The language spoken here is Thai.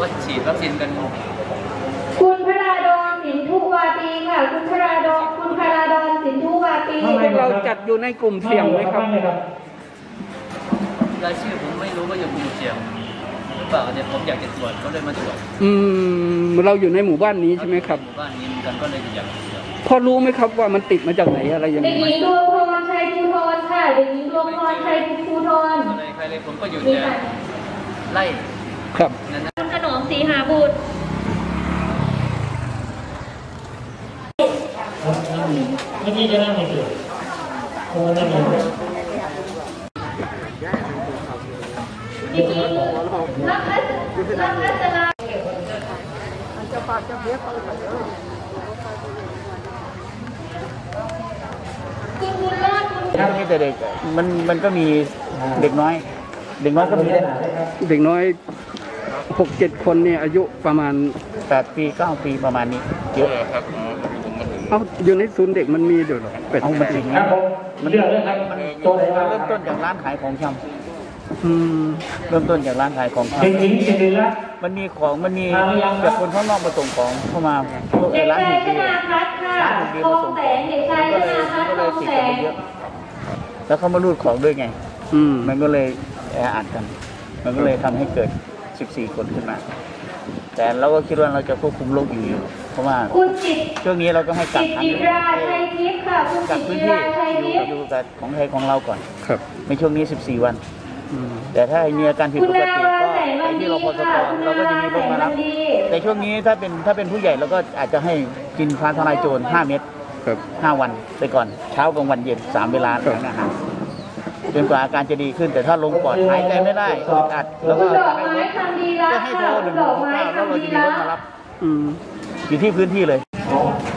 ว่าฉีดวัคซีนกันคุณพราดอนสินทุวาปีค่ะคุณพราดอนสินทุวาปีเราจัดอยู่ในกลุ่มเสี่ยงไหมครับรายชื่อผมไม่รู้ว่าอยู่กลุ่มเสี่ยงหรือเปล่าเนี่ยผมอยากจะตรวจก็เลยมาตรวจเราอยู่ในหมู่บ้านนี้ใช่ไหมครับหมู่บ้านนี้กันก็เลยอยากพอรู้ไหมครับว่ามันติดมาจากไหนอะไรยังไงเด็กหญิงดวงพรชัยภูธรค่ะเด็กหญิงดวงพรชัยภูธรใครเลยผมก็อยู่แต่ไล่ครับคุณขนมศรีหาบุตรเมื่อกี้จะนั่งในเกลือคงนั่งอยู่เด็กหญิงรักรัตนาถ้ามีแต่เด็กมันก็มีเด็กน้อยก็มีเด็กน้อย6-7 คนเนี่ยอายุประมาณ 8 ปี 9 ปีประมาณนี้เยอะครับอยู่ในศูนย์เด็กมันมีอยู่หรอเอามาถึงครับผมมันเริ่มต้นจากร้านขายของชำเริ่มต้นจากร้านขายของชำมันมีแบบคนข้างนอกมาส่งของเข้ามาร้านถูกดีร้านถูกดีมาส่งของก็เลยติดกันเยอะแล้วเขามารูดของด้วยไงมันก็เลยแออัดกันมันก็เลยทำให้เกิด14 คนขึ้นมาแต่เราก็คิดว่าเราจะควบคุมโรคอยู่เพราะว่าช่วงนี้เราก็ให้กักพื้นที่อยู่กับของไทยของเราก่อนในช่วงนี้14 วันแต่ถ้ามีอาการผิดปกติก็ไปที่รพสตเราก็จะมีรถมารับแต่ช่วงนี้ถ้าเป็นผู้ใหญ่เราก็อาจจะให้กินฟ้าทลายโจร5 เม็ด5 วันไปก่อนเช้ากลางวันเย็น3 เวลาหลังอาหารจนกว่าอาการจะดีขึ้นแต่ถ้าลงปอดหายใจไม่ได้อัดแล้วก็ให้โทร169แล้วเราจะมีรถมารับอยู่ที่พื้นที่เลย